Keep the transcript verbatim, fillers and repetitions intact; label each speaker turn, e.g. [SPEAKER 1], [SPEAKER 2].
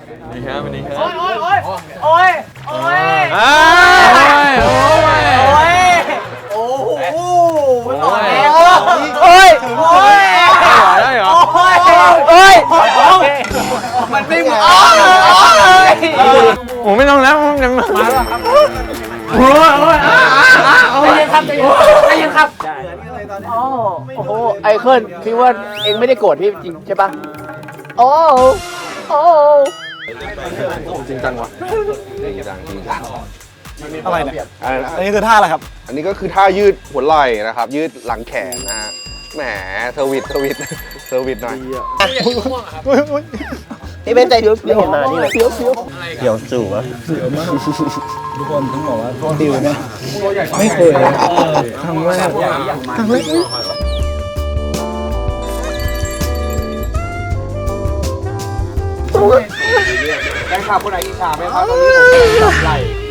[SPEAKER 1] นี่ครับวันนี้ครับ
[SPEAKER 2] โอ้ยโอ้ยโอ้ยโอ้ย
[SPEAKER 1] อ้า
[SPEAKER 2] โอ้
[SPEAKER 1] วย โอ้ย
[SPEAKER 2] โอ้ยโอ้โหมันต่อแล้วโอ้ยโอ้ย
[SPEAKER 1] ได้เหรอ
[SPEAKER 2] โอ้ยโอ้ยมันไม่เหมือนโอ้ย
[SPEAKER 1] โอ้ไม่ต้องแล้วมันมาแล้วครับโอ้ยโอ้ยอ้าอ้าโอ้ย
[SPEAKER 2] ใจเย็นครับใจเย็นครับโอ้โหไอเคิลคิดว่าเองไม่ได้โกรธพี่จริงใช่ปะโอ้โอ้
[SPEAKER 1] จริงจังว่ะ
[SPEAKER 3] จริงจังจริงจัง
[SPEAKER 4] อะไรเนี่ย
[SPEAKER 3] อะไรนะ
[SPEAKER 4] อันนี้คือท่าอะไรครับ
[SPEAKER 3] อันนี้ก็คือท่ายืดหัวไหล่นะครับ ยืดหลังแขนนะฮะแหมเซอร์วิสเซอร์วิสเซอร์วิสหน่อย
[SPEAKER 2] พี่เป็นใจเดี๋ยวเดี๋ยวเห็นมานี่เลยเสียวเสียว
[SPEAKER 4] เดี๋ยวจู่วะเดี๋ยวมากทุกคนต้องบอกว่าดิวนะไม่เคยเลยครั้งแรกครั้งแรก
[SPEAKER 2] แฟนคลับคนไหนอิจฉาไหมครับตอนนี้ผมจับไหล่